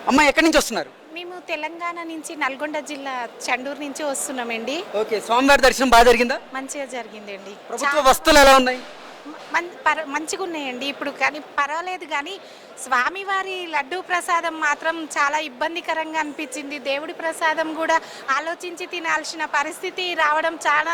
అమ్మ ఎక్కడి నుంచి వస్తున్నారు? మేము తెలంగాణ నుంచి నల్గొండ జిల్లా చండూరు నుంచి వస్తున్నామండి. ఓకే, స్వామివారి దర్శనం బాగా జరిగిందా? మంచిగా జరిగిందండి. ప్రభుత్వ వస్తువులు ఎలా ఉన్నాయి? మంచిగా ఉన్నాయండి. ఇప్పుడు కానీ పర్వాలేదు, కానీ స్వామివారి లడ్డూ ప్రసాదం మాత్రం చాలా ఇబ్బందికరంగా అనిపించింది. దేవుడి ప్రసాదం కూడా ఆలోచించి తినాల్సిన పరిస్థితి రావడం చాలా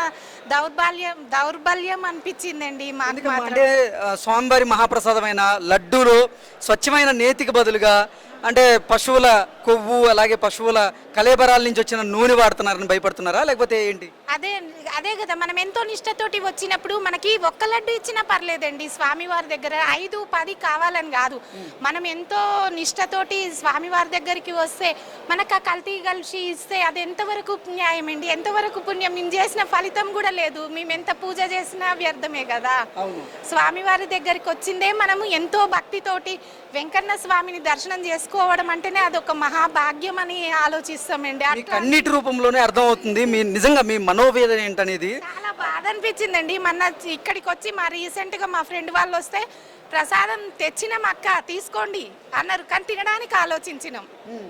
దౌర్బల్యం అనిపించిందండి మాకు మాత్రం. అంటే స్వామివారి మహాప్రసాదమైన లడ్డూలో స్వచ్ఛమైన నేతికి బదులుగా అంటే పశువుల కొవ్వు అలాగే పశువుల కలేబరాల నుంచి వచ్చిన నూనె వాడుతున్నారని భయపడుతున్నారా లేకపోతే ఏంటి? అదే కదా, మనం ఎంతో నిష్టతోటి వచ్చినప్పుడు మనకి ఒక్క లడ్డు ఇచ్చినా పర్లేదండి. స్వామివారి దగ్గర 5, 10 కావాలని కాదు, మనం ఎంతో నిష్టతోటి స్వామివారి దగ్గరికి వస్తే మనకు ఆ కల్తీ కలిసి ఇస్తే అది ఎంతవరకు న్యాయం అండి, ఎంతవరకు పుణ్యం? మేము చేసిన ఫలితం కూడా లేదు, మేము ఎంత పూజ చేసినా వ్యర్థమే కదా. స్వామివారి దగ్గరికి వచ్చిందే మనము ఎంతో భక్తితోటి వెంకన్న స్వామిని దర్శనం చేసుకోవడం అంటేనే అదొక మహాభాగ్యం అని ఆలోచిస్తామండి. అన్నిటి రూపంలోనే అర్థం అవుతుంది మీ నిజంగా మీ మనోవేదన ఏంటనేది. చాలా బాధ అనిపించిందండి. మొన్న ఇక్కడికి వచ్చి రీసెంట్గా మా ఫ్రెండ్ వాళ్ళు వస్తే ప్రసాదం తెచ్చినాం అక్క తీసుకోండి అన్నారు, కానీ తినడానికి ఆలోచించినాం.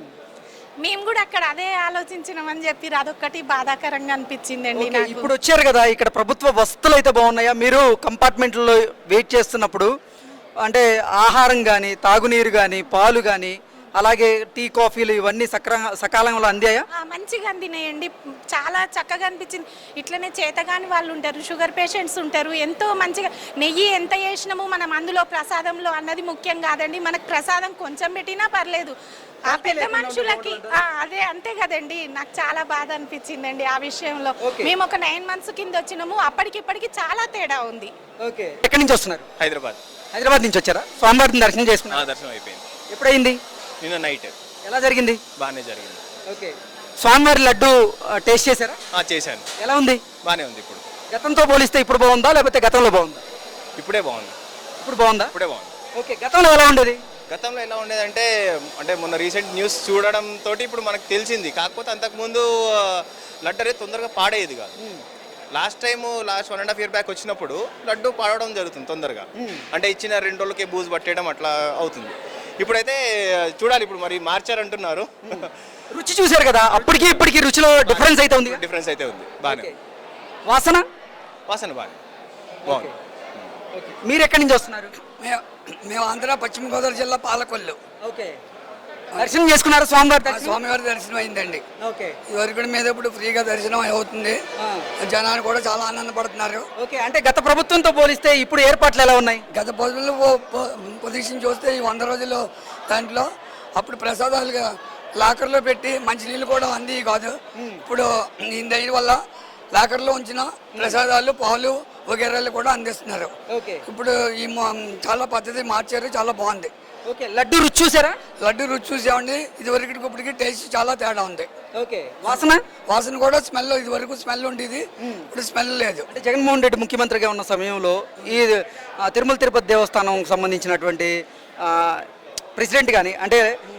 మేము కూడా అక్కడ అదే ఆలోచించినాం అని చెప్పి అదొక్కటి బాధాకరంగా అనిపించిందండి నాకు. ఇప్పుడు వచ్చారు కదా, ఇక్కడ ప్రభుత్వ వస్తువులు అయితే బాగున్నాయా? మీరు కంపార్ట్మెంట్లో వెయిట్ చేస్తున్నప్పుడు అంటే ఆహారం కానీ తాగునీరు కానీ పాలు కానీ అలాగే టీ కాఫీలు ఇవన్నీ సకాలంలో అందాయా? మంచిగా అందినాయండి, చాలా చక్కగా అనిపించింది. ఇట్లనే చేతగాని వాళ్ళు ఉంటారు, షుగర్ పేషెంట్స్ ఉంటారు, ఎంతో మంచిగా నెయ్యి ఎంత వేసినాము మనం అందులో ప్రసాదంలో అన్నది ముఖ్యం కాదండి. మనకు ప్రసాదం కొంచెం పెట్టినా పర్లేదు, ఆ పెద్ద మనుషులకి అదే అంతే కదండి. నాకు చాలా బాధ అనిపించిందండి ఆ విషయంలో. మేము ఒక 9 months కింద వచ్చినాము, అప్పటికిప్పటికి చాలా తేడా ఉంది. ఓకే, ఎక్కడి నుంచి వస్తున్నారు? హైదరాబాద్ నుంచి వచ్చారా? స్వామివారిని దర్శనం చేసుకున్నారు? దర్శనం అయిపోయింది. ఎప్పుడైంది? నిన్న నైట్. ఎలా జరిగింది? బాగానే జరిగింది. ఓకే, స్వామివారి లడ్డు టేస్ట్ చేశారా? చేశాను. ఎలా ఉంది? బాగానే ఉంది. ఇప్పుడు గతంతో పోలిస్తే ఇప్పుడు బాగుందా లేకపోతే గతంలో బాగుందా? ఇప్పుడే బాగుంది. ఇప్పుడు బాగుందా? ఇప్పుడే బాగుంది. ఓకే, గతంలో ఎలా ఉండేది? గతంలో ఎలా ఉండేదంటే అంటే మొన్న రీసెంట్ న్యూస్ చూడడం తోటి ఇప్పుడు మనకు తెలిసింది. కాకపోతే అంతకుముందు లడ్డు అనేది తొందరగా పాడేది కాదు. లాస్ట్ 1.5 year బ్యాక్ వచ్చినప్పుడు లడ్డు పాడడం జరుగుతుంది తొందరగా. అంటే ఇచ్చిన 2 రోజులకే బూజు పట్టేయడం అట్లా అవుతుంది. ఇప్పుడైతే చూడాలి, ఇప్పుడు మరి మార్చారంటున్నారు. రుచి చూశారు కదా, అప్పటికి ఇప్పటికి రుచిలో డిఫరెన్స్ అయితే ఉంది. డిఫరెన్స్ అయితే ఉంది. బాగానే. వాసన బాగానే బాగుంది. మీరు ఎక్కడి నుంచి వస్తున్నారు? మేము ఆంధ్ర పశ్చిమ గోదావరి జిల్లా పాలకొల్లు. ఓకే, దర్శనం చేసుకున్నారు? స్వామివారి దర్శనం అయిందండి. ఇదివరకు మీద ఇప్పుడు ఫ్రీగా దర్శనం అవుతుంది. జనాలు కూడా చాలా ఆనందపడుతున్నారు. ఓకే, అంటే గత ప్రభుత్వంతో పోలిస్తే ఇప్పుడు ఏర్పాట్లు ఎలా ఉన్నాయి? గత ప్రభుత్వంలో పొజిషన్ చూస్తే ఈ 100 రోజులు దాంట్లో అప్పుడు ప్రసాదాలుగా లాకర్లో పెట్టి మంచినీళ్ళు కూడా అంది కాదు. ఇప్పుడు దీని వల్ల లాకర్లో ఉంచిన ప్రసాదాలు పాలు వగేరాలు కూడా అందిస్తున్నారు. ఇప్పుడు ఈ చాలా పద్ధతి మార్చారు, చాలా బాగుంది. ఓకే, లడ్డు రుచి చూసారా? లడ్డు రుచి చూసామండి. ఇదివరకు ఇప్పటికి టేస్ట్ చాలా తేడా ఉంది. ఓకే, వాసన కూడా స్మెల్, ఇదివరకు స్మెల్ ఉండేది, ఇప్పుడు స్మెల్ లేదు. అంటే జగన్మోహన్ రెడ్డి ముఖ్యమంత్రిగా ఉన్న సమయంలో ఈ తిరుమల తిరుపతి దేవస్థానం సంబంధించినటువంటి ప్రెసిడెంట్ కానీ అంటే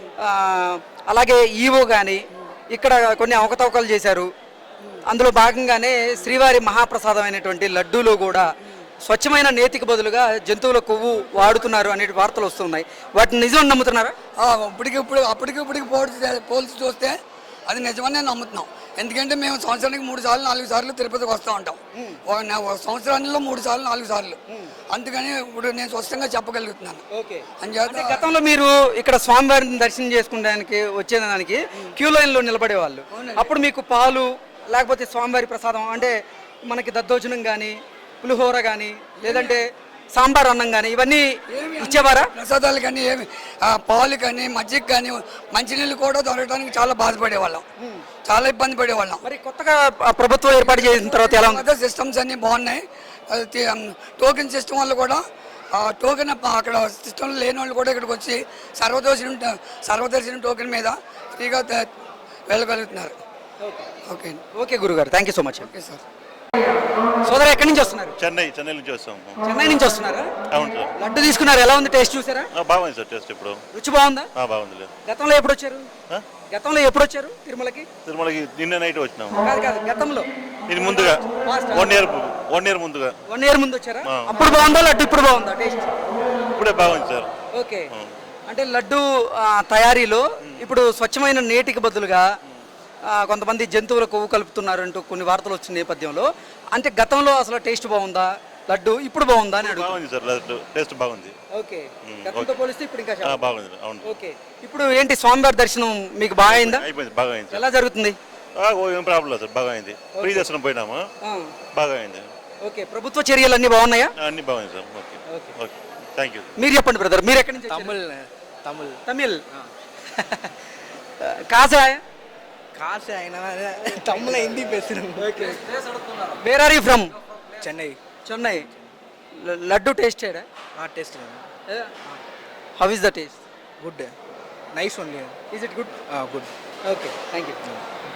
అలాగే ఈవో కానీ ఇక్కడ కొన్ని అవకతవకలు చేశారు. అందులో భాగంగానే శ్రీవారి మహాప్రసాదం అయినటువంటి లడ్డూలో కూడా స్వచ్ఛమైన నేతికి బదులుగా జంతువుల కొవ్వు వాడుతున్నారు అనే వార్తలు వస్తున్నాయి. వాటిని నిజం నమ్ముతున్నారా? అప్పటికిప్పటికి పోల్చి చూస్తే అది నిజమనే నమ్ముతున్నాం. ఎందుకంటే మేము సంవత్సరానికి 3 సార్లు 4 సార్లు తిరుపతికి వస్తూ ఉంటాం. ఒక సంవత్సరానికి 3 సార్లు 4 సార్లు. అందుకని ఇప్పుడు నేను స్పష్టంగా చెప్పగలుగుతున్నాను. గతంలో మీరు ఇక్కడ స్వామివారిని దర్శనం చేసుకోవడానికి వచ్చేదానికి క్యూ లైన్లో నిలబడేవాళ్ళు. అప్పుడు మీకు పాలు లేకపోతే స్వామివారి ప్రసాదం అంటే మనకి దద్దోజనం కానీ పులిహోర కానీ లేదంటే సాంబార్ అన్నం కానీ ఇవన్నీ ఇచ్చేవారా? ప్రసాదాలు కానీ ఏమి పాలు కానీ మజ్జిగ కానీ మంచినీళ్ళు కూడా దొరకడానికి చాలా బాధపడేవాళ్ళం, చాలా ఇబ్బంది పడేవాళ్ళం. మరి కొత్తగా ప్రభుత్వం ఏర్పాటు చేసిన తర్వాత ఎలా ఉంది? సిస్టమ్స్ అన్నీ బాగున్నాయి. టోకెన్ సిస్టమ్ వల్ల కూడా టోకెన్ అక్కడ సిస్టంలో లేని వాళ్ళు కూడా ఇక్కడికి వచ్చి సర్వదర్శనం టోకెన్ మీద ఫ్రీగా వెళ్ళగలుగుతున్నారు. ఓకే ఓకే గురుగారు, thank you so much. Okay sir. సోదరు ఎక్కడి నుంచి వస్తున్నారు? చెన్నై నుంచి వస్తాము. చెన్నై నుంచి వస్తున్నారా? అవును సార్. లడ్డు తీసుకున్నారు, ఎలా ఉంది? టేస్ట్ చూసారా? బాగుంది సార్. టేస్ట్ ఇప్పుడు రుచి బాగుందా? బాగుంది. గతంలో ఎప్పుడు వచ్చారు తిరుమలకి? నిన్న నైట్ వచ్చినాము. కాదు గతంలో ఇది ముందుగా 1 year ముందుగా. 1 year ముందు వచ్చారా? అప్పుడు బాగుందా లడ్డు ఇప్పుడు బాగుందా టేస్ట్? ఇప్పుడే బాగుంది సార్. ఓకే, అంటే లడ్డు తయారీలో ఇప్పుడు స్వచ్ఛమైన నేటికి బదులుగా కొంతమంది జంతువుల కొవ్వు కలుపుతున్నారు అంటూ కొన్ని వార్తలు వచ్చిన నేపథ్యంలో అంటే గతంలో అసలు టేస్ట్ బాగుందా లడ్డు ఇప్పుడు బాగుందా అని అడుగుతాను. బాగుంది సార్ లడ్డు టేస్ట్ బాగుంది. ఓకే, గతంతో పోలిస్తే ఇప్పుడు ఇంకా చాలా బాగుంది అవును. ఓకే, ఇప్పుడు ఏంటి స్వామివారి దర్శనం మీకు బాగా అయిందా? అయిపోయింది బాగా అయింది సార్. ఎలా జరుగుతుంది? ఏం ప్రాబ్లం లేదు సార్ బాగా అయింది. ఫ్రీ దర్శనం పోయినాము బాగా అయింది. ఓకే, ప్రభుత్వ చర్యలు అన్నీ బాగున్నాయా? అన్ని బాగుంది sir. Okay okay thank you. మీరు చెప్పండి బ్రదర్, మీరు ఎక్కడి నుంచి వచ్చారు? తమిళ్ కాసా காசு தமிழ் ஹிந்தி பேசுகிறேன். Where are you from? Chennai. Chennai. Laddu tasted? Taste how is the taste? Good nice only. Is it good? Good. Okay thank you.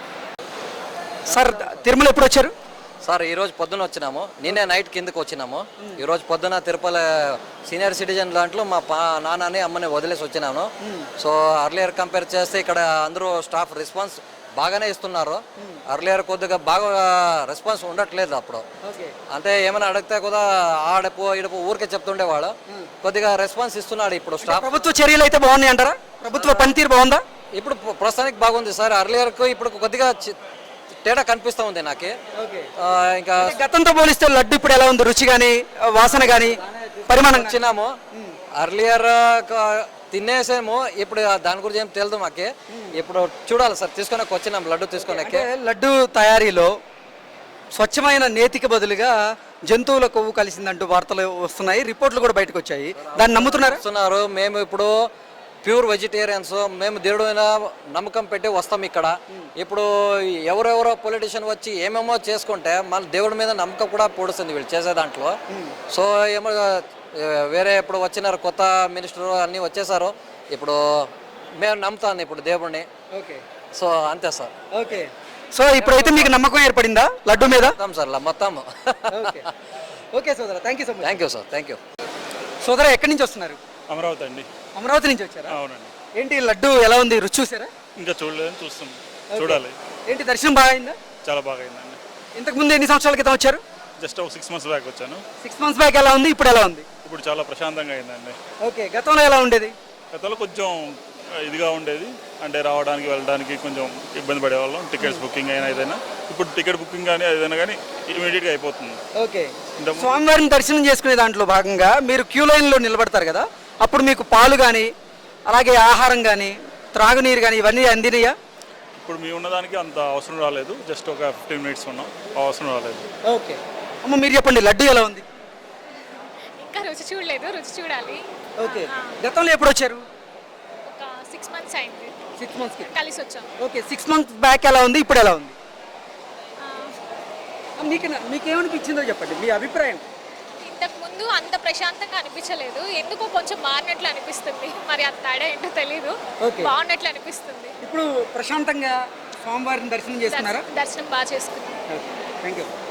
Sir Tirumala ఎప్పుడు వచ్చారు? సార్ ఈరోజు పొద్దున వచ్చినాము, నిన్నే నైట్ కిందకి వచ్చినాము. ఈరోజు పొద్దున తిరుపతి సీనియర్ సిటిజన్ దాంట్లో మా నాన్నని అమ్మని వదిలేసి వచ్చినాను. సో అర్లియర్ కంపేర్ చేస్తే ఇక్కడ అందరూ స్టాఫ్ రెస్పాన్స్ బాగానే ఇస్తున్నారు. అర్లియర్ కొద్దిగా బాగా రెస్పాన్స్ ఉండట్లేదు అప్పుడు. అంటే ఏమైనా అడిగితే కూడా ఆడపు ఇడపు ఊరికే చెప్తుండేవాడు. కొద్దిగా రెస్పాన్స్ ఇస్తున్నాడు ఇప్పుడు స్టాఫ్. ప్రభుత్వ చర్యలు అయితే బాగున్నాయి అంటారా? ప్రభుత్వ పనితీరు బాగుందా? ఇప్పుడు ప్రస్తుతానికి బాగుంది సార్. అర్లియర్కు ఇప్పుడు కొద్దిగా తేడా కనిపిస్తూ ఉంది నాకు. ఇంకా గతంతో పోలిస్తే లడ్డు ఇప్పుడు ఎలా ఉంది? రుచి కానీ వాసన కానీ పరిమాణం వచ్చినాము అర్లియర్ తినేసేమో, ఇప్పుడు దాని గురించి ఏం తెలియదు మాకు. ఇప్పుడు చూడాలి సార్, తీసుకొని వచ్చినాం లడ్డు తీసుకొని. లడ్డు తయారీలో స్వచ్ఛమైన నేతికి బదులుగా జంతువుల కొవ్వు కలిసిందంటూ వార్తలు వస్తున్నాయి, రిపోర్ట్లు కూడా బయటకు వచ్చాయి. దాన్ని నమ్ముతున్నారు? మేము ఇప్పుడు ప్యూర్ వెజిటేరియన్స్, మేము దేవుడు మీద నమ్మకం పెట్టి వస్తాం ఇక్కడ. ఇప్పుడు ఎవరెవరో పొలిటీషియన్ వచ్చి ఏమేమో చేసుకుంటే మళ్ళీ దేవుడి మీద నమ్మకం కూడా పొడుస్తుంది వీళ్ళు చేసే దాంట్లో. సో ఏమో వేరే ఇప్పుడు వచ్చినారు కొత్త మినిస్టర్ అన్నీ వచ్చేసారు. ఇప్పుడు మేము నమ్ముతాను ఇప్పుడు దేవుడిని. సో అంతే సార్. ఓకే, సో ఇప్పుడైతే మీకు నమ్మకం ఏర్పడిందా లడ్డు మీద? సార్ మొత్తం. ఓకే సోదరా, thank you so much. Thank you sir, thank you. సోదరా ఎక్కడి నుంచి వస్తున్నారు? అమరావతి అండి. అమరావతి నుంచి వచ్చారా? అవునండి. ఏంటి లడ్డు ఎలా ఉంది? రుచి చూసారా? ఇంకా చూడలేదు, చూస్తాం, చూడాలి. ఏంటి దర్శనం బాగా అయిందా? చాలా బాగా అయిందండి. ఇంతకు ముందు ఎన్ని సంవత్సరాల క్రితం వచ్చారు? జస్ట్ ఒక 6 months బ్యాక్ వచ్చాను. 6 months బ్యాక్ ఎలా ఉంది, ఇప్పుడు ఎలా ఉంది? ఇప్పుడు చాలా ప్రశాంతంగా అయిందండి. ఓకే, గతంలో ఎలా ఉండేది? గతంలో కొంచెం ఇదిగా ఉండేది, అంటే రావడానికి వెళ్ళడానికి కొంచెం ఇబ్బంది పడేవాళ్ళం. టికెట్స్ బుకింగ్ అయినా ఏదైనా, ఇప్పుడు టికెట్ బుకింగ్ కానీ ఏదైనా కానీ ఇమీడియట్గా అయిపోతుంది. ఓకే, స్వామివారిని దర్శనం చేసుకునే దాంట్లో భాగంగా మీరు క్యూ లైన్లో నిలబడతారు కదా, అప్పుడు మీకు పాలు కానీ అలాగే ఆహారం కానీ త్రాగునీరు కానీ ఇవన్నీ అందినయా? ఇప్పుడు మేము ఉన్నదానికి అంత అవసరం రాలేదు, జస్ట్ ఒక 15 minutes ఉన్నాం, అవసరం రాలేదు. ఓకే అమ్మ, మీరు చెప్పండి లడ్డు ఎలా ఉంది? ఇంకా రుచి చూడలేదు, రుచి చూడాలి. ఓకే, గతంలో ఎప్పుడు వచ్చారు? ఒక 6 months అయింది. 6 months కలిసి వచ్చాం. ఓకే, 6 months బ్యాక్ ఎలా ఉంది, ఇప్పుడు ఎలా ఉంది? మీకేమనిపించిందో చెప్పండి, మీ అభిప్రాయం. ఇంతకు ముందు అంత ప్రశాంతంగా అనిపించలేదు, ఎందుకో కొంచెం మారినట్లు అనిపిస్తుంది. మరి అంత తేడా ఏంటో తెలీదు, బాగున్నట్లు అనిపిస్తుంది. ఇప్పుడు ప్రశాంతంగా స్వామివారిని దర్శనం చేసుకున్నారా? దర్శనం బాగా చేసుకున్నాం. Thank you.